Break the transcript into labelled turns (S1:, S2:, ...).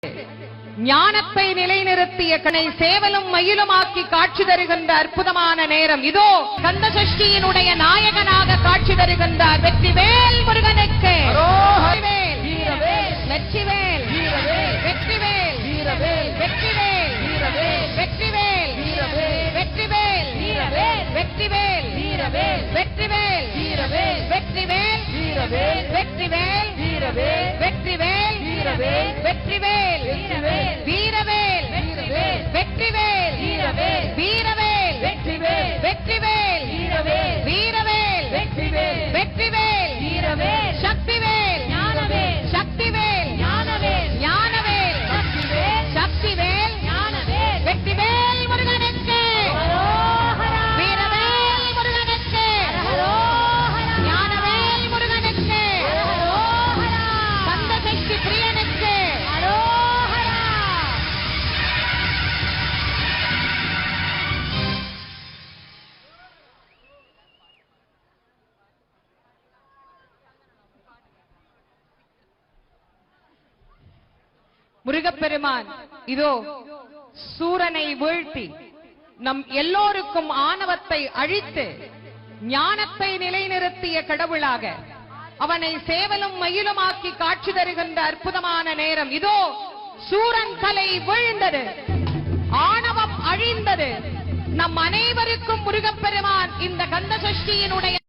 S1: ஞானத்தை நிலைநிறுத்திய கனை சேவலும் மயிலுமாக்கி காட்சி தருகின்ற அற்புதமான நேரம் இதோ கந்த சஷ்டியினுடைய நாயகனாக காட்சி தருகின்றார் வெற்றிவேல் முருகனுக்கு. வெற்றிவேல் வெற்றிவேல் வெற்றிவேல் வெற்றிவேல் வெற்றிவேல் வெற்றிவேல் வெற்றிவேல் வெற்றிவேல் வெற்றிவேல் வெற்றிவேல் வெற்றிவேல் வீரவேல் வெற்றிவேல் வீரவேல் வெற்றிவேல் வீரவேல் வெற்றிவேல் சக்திவேல் சக்திவேல் ஞானவேல் சக்திவேல் வெற்றிவேல் முருகனுக்கு. வீரவேல் முருகனுக்கு. ஞானவேல் முருகனுக்கு. கந்த சக்தி பிரியனுக்கு. முருகப்பெருமான் இதோ சூரனை வீழ்த்தி நம் எல்லோருக்கும் ஆணவத்தை அழித்து ஞானத்தை நிலைநிறுத்திய கடவுளாக அவனை சேவலும் மயிலுமாக்கி காட்சி தருகின்ற அற்புதமான நேரம் இதோ சூரன் தலை வீழ்ந்தது, ஆணவம் அழிந்தது. நம் அனைவருக்கும் முருகப்பெருமான் இந்த கந்த சஷ்டியினுடைய